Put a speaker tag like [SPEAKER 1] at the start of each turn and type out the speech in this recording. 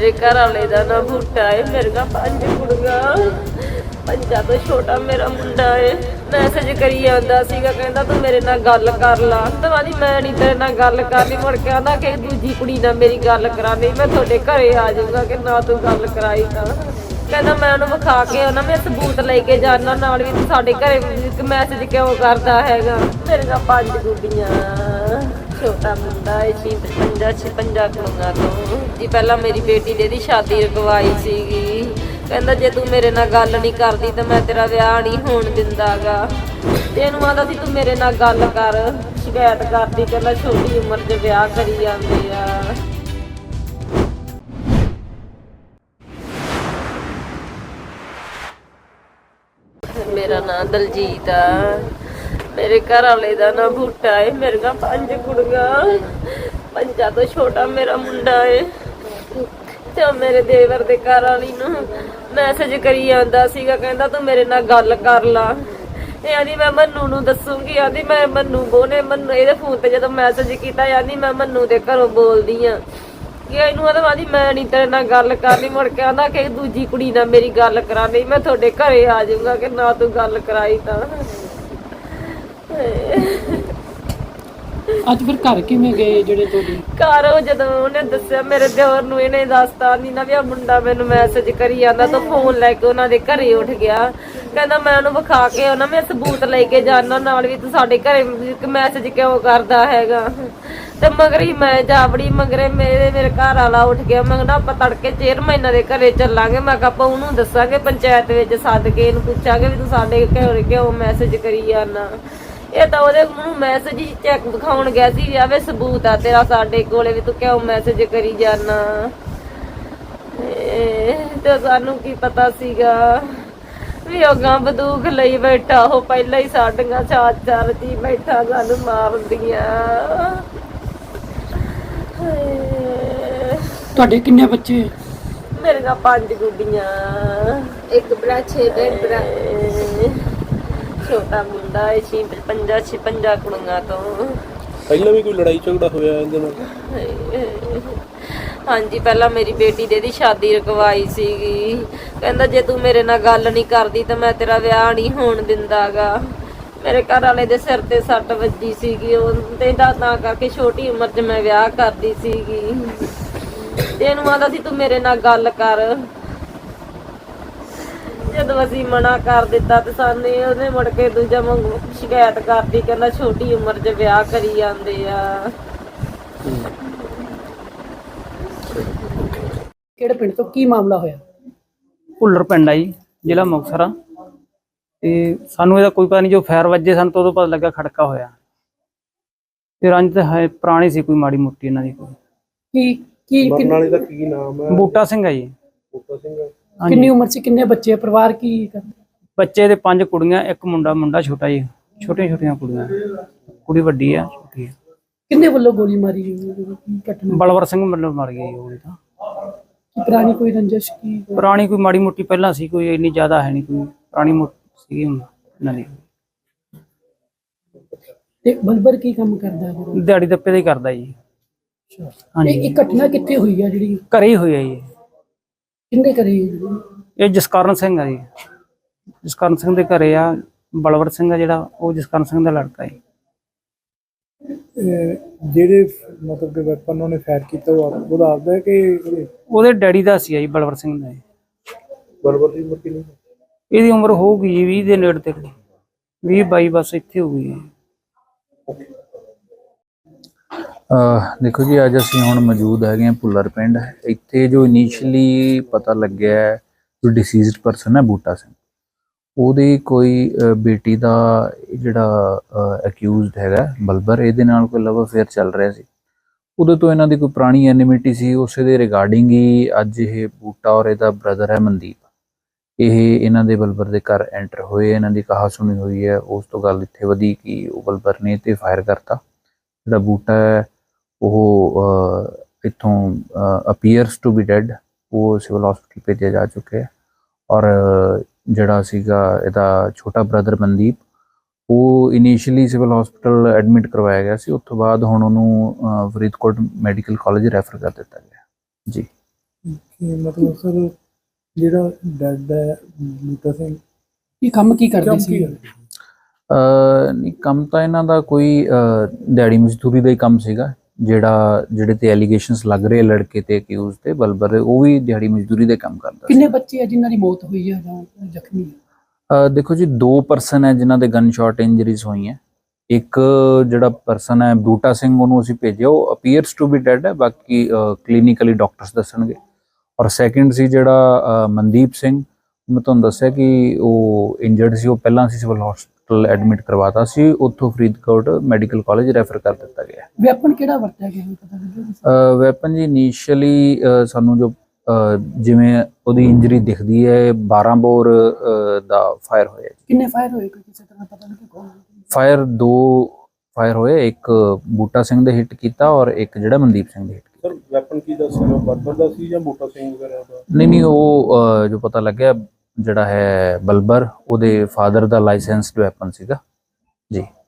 [SPEAKER 1] ਮੇਰੇ ਘਰ ਵਾਲੇ ਦਾ ਨਾਂ ਬੂਟਾ ਹੈ। ਮੇਰੇ ਨਾਲ 5 ਕੁੜੀਆਂ, 5 ਤੋਂ ਛੋਟਾ ਮੇਰਾ ਮੁੰਡਾ ਹੈ। ਮੈਸੇਜ ਕਰੀ ਜਾਂਦਾ ਸੀਗਾ, ਕਹਿੰਦਾ ਤੂੰ ਮੇਰੇ ਨਾਲ ਗੱਲ ਕਰ ਲਾ। ਤਵਾਦੀ ਮੈਂ ਨਹੀਂ ਤੇਰੇ ਨਾਲ ਗੱਲ ਕਰਨੀ। ਮੁੜ ਕੇ ਆਂਦਾ ਕਿ ਦੂਜੀ ਕੁੜੀ ਨਾਲ ਮੇਰੀ ਗੱਲ ਕਰਾਣੀ, ਮੈਂ ਤੁਹਾਡੇ ਘਰੇ ਆ ਜਾਊਗਾ ਕਿ ਨਾ ਤੂੰ ਗੱਲ ਕਰਾਈ ਤਾਂ। ਕਹਿੰਦਾ ਮੈਂ ਉਹਨੂੰ ਵਿਖਾ ਕੇ ਉਹਨਾਂ ਮੈਂ ਸਬੂਤ ਲੈ ਕੇ ਜਾਣਾ ਨਾਲ ਵੀ ਤੂੰ ਸਾਡੇ ਘਰੇ ਮੈਸੇਜ ਕਿਉਂ ਕਰਦਾ ਹੈਗਾ। ਮੇਰੇ ਨਾਲ 5 ਗੁੱਡੀਆਂ, ਛੋਟਾ ਮੁੰਡਾ ਹੈ 56 ਕੁੜੀਆਂ ਤੋਂ ਜੀ। ਪਹਿਲਾਂ ਮੇਰੀ ਬੇਟੀ ਦੀ ਸ਼ਾਦੀ ਰਕਵਾਈ ਸੀਗੀ। ਕਹਿੰਦਾ ਜੇ ਤੂੰ ਮੇਰੇ ਨਾਲ ਗੱਲ ਨਹੀਂ ਕਰਦੀ ਤਾਂ ਮੈਂ ਤੇਰਾ ਵਿਆਹ ਨਹੀਂ ਹੋਣ ਦਿੰਦਾਗਾ। ਤੇ ਇਹਨੂੰ ਆਂਦਾ ਸੀ ਤੂੰ ਮੇਰੇ ਨਾਲ ਗੱਲ ਕਰ, ਸ਼ਿਕਾਇਤ ਕਰਦੀ। ਕਹਿੰਦਾ ਛੋਟੀ ਉਮਰ 'ਚ ਵਿਆਹ ਕਰੀ ਜਾਂਦੇ ਆ। ਮੇਰਾ ਨਾਂ ਦਲਜੀਤ ਆ। ਮੇਰੇ ਘਰ ਵਾਲੇ ਦਾ ਨਾਂ ਬੂਟਾ ਹੈ। ਮੇਰੇ ਨਾਲ 5 ਕੁੜੀਆਂ, 5 ਤੋਂ ਛੋਟਾ ਮੇਰਾ ਮੁੰਡਾ ਹੈ। ਤੇ ਮੇਰੇ ਦੇਵਰ ਦੇ ਘਰ ਵਾਲੀ ਨੂੰ ਮੈਸੇਜ ਕਰੀ ਜਾਂਦਾ ਸੀਗਾ, ਕਹਿੰਦਾ ਤੂੰ ਮੇਰੇ ਨਾਲ ਗੱਲ ਕਰ ਲਾ। ਇਹ ਆਂਦੀ ਮੈਂ ਮੰਨੂ ਨੂੰ ਦੱਸੂਗੀ। ਆਂਦੀ ਮੈਂ ਮੰਨੂ ਬੋਨੇ ਮੰਨੂ ਇਹਦੇ ਫੋਨ ਤੇ ਜਦੋਂ ਮੈਸੇਜ ਕੀਤਾ ਆਂਦੀ ਮੈਂ ਮੰਨੂ ਦੇ ਘਰੋਂ ਬੋਲਦੀ ਆ ਕਿ ਇਹਨੂੰ ਆਂਦੀ ਮੈਂ ਨਹੀਂ ਤੇਰੇ ਨਾਲ ਗੱਲ ਕਰਨੀ। ਮੁੜ ਕੇ ਆਂਦਾ ਕਿ ਦੂਜੀ ਕੁੜੀ ਨਾਲ ਮੇਰੀ ਗੱਲ ਕਰਾਣੀ, ਮੈਂ ਤੁਹਾਡੇ ਘਰੇ ਆ ਜਾਊਗਾ ਕਿ ਨਾ ਤੂੰ ਗੱਲ ਕਰਾਈ ਤਾਂ।
[SPEAKER 2] ਅੱਜ ਫਿਰ ਘਰ ਕਿਵੇਂ ਗਏ ਜਿਹੜੇ ਤੁਹਾਡੇ
[SPEAKER 1] ਘਰ ਉਹ ਜਦੋਂ ਉਹਨੇ ਦੱਸਿਆ ਮੇਰੇ ਦਿਓਰ ਨੂੰ, ਇਹਨੇ ਦੱਸਤਾ ਨਹੀਂ ਨਾ ਵੀ ਆ ਮੁੰਡਾ ਮੈਨੂੰ ਮੈਸੇਜ ਕਰੀ ਜਾਂਦਾ ਤਾਂ ਫੋਨ ਲੈ ਕੇ ਉਹਨਾਂ ਦੇ ਘਰੇ ਉੱਠ ਗਿਆ। ਕਹਿੰਦਾ ਮੈਂ ਉਹਨੂੰ ਵਿਖਾ ਕੇ ਉਹਨਾਂ ਮੈਂ ਸਬੂਤ ਲੈ ਕੇ ਜਾਣਾ ਨਾਲ ਵੀ ਤੂੰ ਸਾਡੇ ਘਰੇ ਮੈਸੇਜ ਕਿਉਂ ਕਰਦਾ ਹੈਗਾ। ਤੇ ਮਗਰ ਹੀ ਮੈਂ ਜਾਵੜੀ ਮਗਰੇ ਮੇਰੇ ਘਰ ਵਾਲਾ ਉੱਠ ਗਿਆ। ਮੈਂ ਕਿਹਾ ਆਪਾਂ ਤੜਕੇ ਚੇਅਰਮੈਨ ਦੇ ਘਰੇ ਚੱਲਾਂਗੇ। ਮੈਂ ਕਿਹਾ ਆਪਾਂ ਉਹਨੂੰ ਦੱਸਾਂਗੇ, ਪੰਚਾਇਤ ਵਿੱਚ ਸੱਦ ਕੇ ਇਹਨੂੰ ਪੁੱਛਾਂਗੇ ਵੀ ਤੂੰ ਸਾਡੇ ਘਰੇ ਕਿਉਂ ਮੈਸੇਜ ਕਰੀ ਜਾਂਦਾ। ਇਹ ਤਾਂ ਉਹਦੇ ਨੂੰ ਮੈਸੇਜ ਹੀ ਚੈੱਕ ਦਿਖਾਉਣ ਗਿਆ ਸੀ ਵੀ ਆਵੇ ਸਬੂਤ ਆ ਤੇਰਾ ਸਾਡੇ ਕੋਲੇ ਵੀ ਤੂੰ ਕਿਉਂ ਮੈਸੇਜ ਕਰੀ ਜਾਣਾ। ਤੇ ਸਾਨੂੰ ਕੀ ਪਤਾ ਸੀਗਾ ਵੀ ਉਹ ਗਾਂ ਬੰਦੂਕ ਲਈ ਬੈਠਾ। ਉਹ ਪਹਿਲਾਂ ਹੀ ਸਾਡੀਆਂ ਚਾਰ ਜੀ ਬੈਠਾ ਸਾਨੂੰ ਮਾਰਦੀਆਂ।
[SPEAKER 2] ਤੁਹਾਡੇ ਕਿੰਨੇ ਬੱਚੇ?
[SPEAKER 1] ਮੇਰੇ ਨਾਲ 5 ਗੁੱਡੀਆਂ, 1 ਭਰਾ 6 ਭਰਾ, ਛੋਟਾ ਮੁੰਡਾ ਹੈ 56 ਕੁੜੀਆਂ ਤੋਂ।
[SPEAKER 3] ਪਹਿਲਾਂ ਵੀ ਕੋਈ ਲੜਾਈ ਝਗੜਾ ਹੋਇਆ ਇਹਦੇ ਨਾਲ?
[SPEAKER 1] ਹਾਂਜੀ ਪਹਿਲਾਂ ਮੇਰੀ ਬੇਟੀ ਦੀ ਸ਼ਾਦੀ ਰਕਵਾਈ ਸੀਗੀ। ਕਹਿੰਦਾ ਜੇ ਤੂੰ ਮੇਰੇ ਨਾਲ ਗੱਲ ਨਹੀਂ ਕਰਦੀ ਤਾਂ ਮੈਂ ਤੇਰਾ ਵਿਆਹ ਨਹੀਂ ਹੋਣ ਦਿੰਦਾਗਾ। ਮੇਰੇ ਘਰ ਵਾਲੇ ਦੇ ਸਿਰ ਤੇ ਸੱਟ ਵੱਜੀ ਸੀਗੀ ਉਹ ਤੇ ਤਾਂ ਕਰਕੇ ਛੋਟੀ ਉਮਰ 'ਚ ਮੈਂ ਵਿਆਹ ਕਰਦੀ ਸੀਗੀ। ਤੇ ਇਹਨੂੰ ਆਂਦਾ ਸੀ ਤੂੰ ਮੇਰੇ ਨਾਲ ਗੱਲ ਕਰ। ਜਦੋਂ ਅਸੀਂ ਮਨਾ ਕਰ ਦਿੱਤਾ ਤੇ ਸਾਨੂੰ ਉਹਨੇ ਮੁੜ ਕੇ ਦੂਜਾ ਵਾਂਗੂ ਸ਼ਿਕਾਇਤ ਕਰਦੀ। ਕਹਿੰਦਾ ਛੋਟੀ ਉਮਰ 'ਚ ਵਿਆਹ ਕਰੀ ਜਾਂਦੇ ਆ।
[SPEAKER 2] ਕਿਹੜੇ ਪਿੰਡ ਤੋਂ ਕੀ ਮਾਮਲਾ ਹੋਇਆ?
[SPEAKER 4] ਭੁੱਲਰ ਪਿੰਡ ਆ ਜੀ, ਜ਼ਿਲ੍ਹਾ ਮੁਕਤਸਰ ਆ। ਤੇ ਸਾਨੂੰ ਇਹਦਾ ਕੋਈ ਪਤਾ ਨਹੀਂ, ਜੋ ਫਾਇਰ ਵੱਜੇ ਸਾਨੂੰ ਤਾਂ ਉਦੋਂ ਪਤਾ ਲੱਗਾ ਖੜਕਾ ਹੋਇਆ। ਤੇ ਰੰਜ ਤਾਂ ਹੈ ਪੁਰਾਣੀ ਸੀ ਕੋਈ ਮਾੜੀ ਮੋਟੀ ਇਹਨਾਂ ਦੀ। ਕੋਈ
[SPEAKER 3] ਮਰਨ ਵਾਲੇ ਦਾ ਕੀ ਨਾਮ ਹੈ?
[SPEAKER 4] ਬੂਟਾ ਸਿੰਘ ਆ ਜੀ।
[SPEAKER 3] ਬੂਟਾ ਸਿੰਘ।
[SPEAKER 2] ਕਿੰਨੀ ਉਮਰ 'ਚ ਕਿੰਨੇ ਬੱਚੇ? ਪਰਿਵਾਰ ਕੀ ਕਰਦਾ?
[SPEAKER 4] ਬੱਚੇ ਦੇ 5 ਕੁੜੀਆਂ, 1 ਮੁੰਡਾ। ਮੁੰਡਾ ਛੋਟਾ ਜੀ, ਛੋਟੀਆਂ ਕੁੜੀਆਂ। ਕੁੜੀ ਵੱਡੀ ਆ, ਛੋਟੀ ਆ।
[SPEAKER 2] ਕਿੰਨੇ ਵੱਲੋਂ ਗੋਲੀ ਮਾਰੀ ਗਈ? ਘਟਨਾ
[SPEAKER 4] ਬਲਵਰ ਸਿੰਘ ਵੱਲੋਂ ਮਰ ਗਈ ਉਹ ਤਾਂ।
[SPEAKER 2] ਪੁਰਾਣੀ ਕੋਈ ਰੰਜਿਸ਼ ਕੀ?
[SPEAKER 4] ਪੁਰਾਣੀ ਕੋਈ ਮਾੜੀ ਮੋਟੀ ਪਹਿਲਾਂ ਸੀ, ਕੋਈ ਇੰਨੀ ਜ਼ਿਆਦਾ ਹੈ ਨਹੀਂ। ਕੋਈ ਪੁਰਾਣੀ ਮੋਟੀ ਸੀਗੀ ਇਹਨਾਂ ਦੀ।
[SPEAKER 2] ਤੇ ਬਲਬਰ ਕੀ ਕੰਮ ਕਰਦਾ ਹੈ?
[SPEAKER 4] ਦਿਹਾੜੀ ਦੱਪੇ ਦਾ ਹੀ ਕਰਦਾ ਜੀ। ਹਾਂਜੀ
[SPEAKER 2] ਇਹ ਘਟਨਾ ਕਿੱਥੇ ਹੋਈ ਆ ਜਿਹੜੀ?
[SPEAKER 4] ਘਰੇ ਹੀ ਹੋਈ ਆ ਜੀ।
[SPEAKER 2] ਕਿੰਨੇ ਕਰੀ?
[SPEAKER 4] ਇਹ ਜਸਕਰਨ ਸਿੰਘ ਆ ਜੀ। ਜਸਕਰਨ ਸਿੰਘ ਦੇ ਘਰੇ ਆ। ਬਲਵਰ ਸਿੰਘ ਆ ਜਿਹੜਾ, ਉਹ ਜਸਕਰਨ ਸਿੰਘ ਦਾ ਲੜਕਾ ਹੈ।
[SPEAKER 3] ਜਿਹੜੇ ਮਤਲਬ ਕਿ ਵੈਪਨ ਉਹਨੇ ਫਾਇਰ ਕੀਤਾ ਉਹ ਦੱਸਦਾ ਕਿ
[SPEAKER 4] ਉਹਦੇ ਡੈਡੀ ਦਾ ਸੀ ਜੀ, ਬਲਵਰ ਸਿੰਘ ਦਾ।
[SPEAKER 3] ਬਰਬਰ ਦੀ ਉਮਰ ਕਿੰਨੀ?
[SPEAKER 4] ਇਹਦੀ ਉਮਰ ਹੋਊਗੀ ਜੀ 20 ਦੇ ਨੇੜੇ ਤੇ, 20-22 ਬਸ ਇੱਥੇ ਹੋਊਗੀ।
[SPEAKER 5] ਦੇਖੋ ਜੀ, ਅੱਜ ਅਸੀਂ ਹੁਣ ਮੌਜੂਦ ਹੈਗੇ ਹਾਂ ਭੁੱਲਰ ਪਿੰਡ। ਇੱਥੇ ਜੋ ਇਨੀਸ਼ੀਅਲੀ ਪਤਾ ਲੱਗਿਆ ਜੋ ਡਿਸੀਜ਼ਡ ਪਰਸਨ ਹੈ ਬੂਟਾ ਸਿੰਘ, ਉਹਦੀ ਕੋਈ ਬੇਟੀ ਦਾ ਜਿਹੜਾ ਅਕਿਊਜ਼ਡ ਹੈਗਾ ਬਲਬਰ, ਇਹਦੇ ਨਾਲ ਕੋਈ ਲਵ ਅਫੇਅਰ ਚੱਲ ਰਿਹਾ ਸੀ। ਉਦੋਂ ਤੋਂ ਇਹਨਾਂ ਦੀ ਕੋਈ ਪੁਰਾਣੀ ਐਨਿਮਿਟੀ ਸੀ। ਉਸੇ ਦੇ ਰਿਗਾਰਡਿੰਗ ਹੀ ਅੱਜ ਇਹ ਬੂਟਾ ਔਰ ਇਹਦਾ ਬ੍ਰਦਰ ਹੈ ਮਨਦੀਪ, ਇਹ ਇਹਨਾਂ ਦੇ ਬਲਬਰ ਦੇ ਘਰ ਐਂਟਰ ਹੋਏ। ਇਹਨਾਂ ਦੀ ਕਹਾ ਸੁਣੀ ਹੋਈ ਹੈ। ਉਸ ਤੋਂ ਗੱਲ ਇੱਥੇ ਵਧੀ ਕਿ ਉਹ ਬਲਬਰ ਨੇ ਤੇ ਫਾਇਰ ਕਰਤਾ। ਜਿਹੜਾ ਬੂਟਾ ਹੈ ਉਹ ਇੱਥੋਂ ਅਪੀਅਰਸ ਟੂ ਬੀ ਡੈਡ, ਉਹ ਸਿਵਲ ਹਸਪੀਟਲ ਭੇਜਿਆ ਜਾ ਚੁੱਕਿਆ। ਔਰ ਜਿਹੜਾ ਸੀਗਾ ਇਹਦਾ ਛੋਟਾ ਬ੍ਰਦਰ ਮਨਦੀਪ, ਉਹ ਇਨੀਸ਼ੀਅਲੀ ਸਿਵਲ ਹਸਪੀਟਲ ਐਡਮਿਟ ਕਰਵਾਇਆ ਗਿਆ ਸੀ। ਉਸ ਤੋਂ ਬਾਅਦ ਹੁਣ ਉਹਨੂੰ ਫਰੀਦਕੋਟ ਮੈਡੀਕਲ ਕਾਲਜ ਰੈਫਰ ਕਰ ਦਿੱਤਾ ਗਿਆ ਜੀ।
[SPEAKER 3] ਕਿ ਮਤਲਬ ਸਰ ਜਿਹੜਾ ਡੈਡ ਹੈ ਬੂਟਾ ਸਿੰਘ
[SPEAKER 2] ਇਹ ਕੰਮ ਕੀ ਕਰਦੇ
[SPEAKER 3] ਕੰਮ
[SPEAKER 2] ਸੀ
[SPEAKER 3] ਕੀ ਹੈ?
[SPEAKER 5] ਨਹੀਂ ਕੰਮ ਤਾਂ ਇਹਨਾਂ ਦਾ ਕੋਈ ਦਿਹਾੜੀ ਮਜ਼ਦੂਰੀ ਦਾ ਹੀ ਕੰਮ ਸੀਗਾ। ਜਿਹੜੇ ਤੇ ਐਲੀਗੇਸ਼ਨਸ ਲੱਗ ਰਹੇ ਲੜਕੇ ਤੇ ਅਕਿਊਜ਼ ਤੇ ਬਲਬਰ, ਉਹ ਵੀ ਦਿਹਾੜੀ ਮਜ਼ਦੂਰੀ ਦੇ ਕੰਮ ਕਰਦਾ ਸੀ।
[SPEAKER 2] ਕਿੰਨੇ ਬੱਚੇ ਆ ਜਿਨ੍ਹਾਂ ਦੀ ਮੌਤ ਹੋਈ ਹੈ ਜਾਂ ਜ਼ਖਮੀ
[SPEAKER 5] ਦੇਖੋ ਜੀ, 2 ਪਰਸਨ ਹੈ ਜਿਨ੍ਹਾਂ ਦੇ ਗਨ ਸ਼ਾਟ ਇੰਜਰੀਜ਼ ਹੋਈਆਂ। ਇੱਕ ਜਿਹੜਾ ਪਰਸਨ ਹੈ ਬੂਟਾ ਸਿੰਘ, ਉਹਨੂੰ ਅਸੀਂ ਭੇਜਿਆ, ਉਹ ਅਪੀਅਰਸ ਟੂ ਬੀ ਡੈਡ ਹੈ, ਬਾਕੀ ਕਲੀਨਿਕਲੀ ਡਾਕਟਰਸ ਦੱਸਣਗੇ। ਔਰ ਸੈਕਿੰਡ ਸੀ ਜਿਹੜਾ ਮਨਦੀਪ ਸਿੰਘ, ਮੈਂ ਤੁਹਾਨੂੰ ਦੱਸਿਆ ਕਿ ਉਹ ਇੰਜਰਡ ਸੀ, ਉਹ ਪਹਿਲਾਂ ਅਸੀਂ ਸਿਵਲ ਹਸਪੀਟਲ ਐਡਮਿਟ ਕਰਵਾਤਾ ਸੀ, ਉੱਥੋਂ ਫਰੀਦਕੋਟ ਮੈਡੀਕਲ ਕਾਲਜ ਰੈਫਰ ਕਰ ਦਿੱਤਾ ਗਿਆ।
[SPEAKER 2] ਵੈਪਨ ਕਿਹੜਾ ਵਰਤਿਆ ਗਿਆ ਇਹ ਪਤਾ ਲੱਗਿਆ?
[SPEAKER 5] ਵੈਪਨ ਜੀ ਇਨੀਸ਼ੀਅਲੀ ਸਾਨੂੰ ਜੋ ਜਿਵੇਂ ਉਹਦੀ ਇੰਜਰੀ ਦਿਖਦੀ ਹੈ, 12 ਬੋਰ ਦਾ ਫਾਇਰ ਹੋਇਆ।
[SPEAKER 2] ਕਿੰਨੇ ਫਾਇਰ ਹੋਏ ਕੋਈ ਕਿਸੇ ਤਰ੍ਹਾਂ ਪਤਾ ਲੱਗਿਆ ਕੌਣ?
[SPEAKER 5] ਫਾਇਰ 2 ਫਾਇਰ ਹੋਏ, ਇੱਕ ਬੂਟਾ ਸਿੰਘ ਦੇ ਹਿੱਟ ਕੀਤਾ ਔਰ ਇੱਕ ਜਿਹੜਾ ਮਨਦੀਪ ਸਿੰਘ ਦੇ ਹਿੱਟ ਕੀਤਾ।
[SPEAKER 3] ਸਰ ਵੈਪਨ ਕੀ ਦਾ ਸੀ, ਬਰਬਰ ਦਾ ਸੀ ਜਾਂ ਬੂਟਾ ਸਿੰਘ ਵਗੈਰਾ ਦਾ?
[SPEAKER 5] ਨਹੀਂ, ਉਹ ਜੋ ਪਤਾ ਲੱਗਿਆ ਜਿਹੜਾ ਹੈ ਬਲਬਰ, ਉਹਦੇ ਫਾਦਰ ਦਾ ਲਾਇਸੈਂਸਡ ਵੈਪਨ ਸੀਗਾ ਜੀ।